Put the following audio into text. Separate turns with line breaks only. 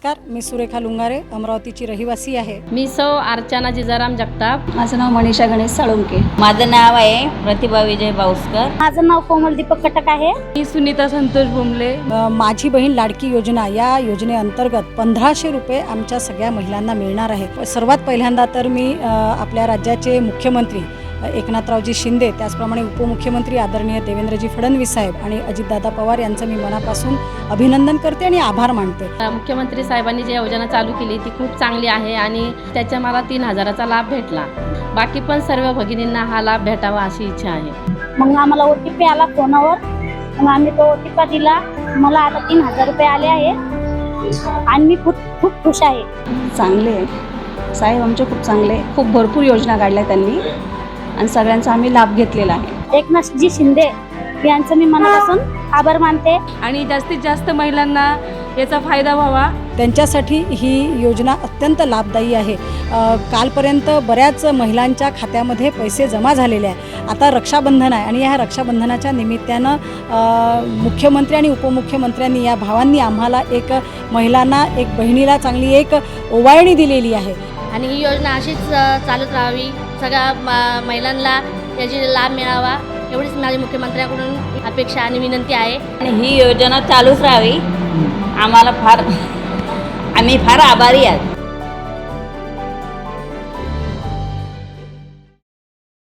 नमस्कार, मी सुरेखा लुंगारे, अमरावतीची रहिवासी आहे।
मी सौ अर्चना जिजाराम जगताप।
माझं नाव मनीषा गणेश साळुंके।
माझं नाव आहे प्रतिभा विजय बाउस्कर।
माझं नाव कोमल दीपक कटक आहे।
मी सुनीता संतोष बुमले।
माझी बहीण लाडकी योजना या योजनेअंतर्गत 1500 रुपये आमच्या सगळ्या महिलांना मिळणार आहे। सर्वात पहिल्यांदा तर मी आपल्या राज्याचे मुख्यमंत्री एकनाथरावजी शिंदे, त्याचप्रमाणे उपमुख्यमंत्री आदरणीय देवेंद्रजी फडणवीस साहेब आणि अजितदादा पवार यांचं मी मनापासून अभिनंदन करते आणि आभार मानते।
मुख्यमंत्री साहेबांनी जी योजना चालू केली ती खूप चांगली आहे आणि त्याचा मला 3000चा लाभ भेटला। बाकी पण सर्व भगिनींना हा लाभ भेटावा अशी इच्छा आहे।
मग आम्हाला OTP आला फोनवर, मग आम्ही तो OTP दिला। मला आता 3000 रुपये आले आहे आणि मी खूप खुश आहे।
चांगले आहे साहेब, आमचे खूप चांगले, खूप भरपूर योजना काढल्या त्यांनी आणि सगळ्यांचा आम्ही लाभ घेतलेला आहे।
एकनाथजी शिंदे यांचं मी मनापासून आभार मानते
आणि जास्तीत जास्त महिलांना याचा फायदा व्हावा
त्यांच्यासाठी ही योजना अत्यंत लाभदायी आहे। कालपर्यंत बऱ्याच महिलांच्या खात्यामध्ये पैसे जमा झालेले आहे। आता रक्षाबंधन आहे आणि ह्या रक्षाबंधनाच्या निमित्तानं मुख्यमंत्री आणि उपमुख्यमंत्र्यांनी या भावांनी आम्हाला एक महिलांना, एक बहिणीला चांगली एक ओवाळणी दिलेली आहे
आणि ही योजना अशीच चालत राहावी, सगळ्या महिलांना याची लाभ मिळावा एवढीच माझी मुख्यमंत्र्यांकडून अपेक्षा आणि विनंती आहे।
आणि ही योजना चालूच राहावी, आम्ही फार आभारी आहोत।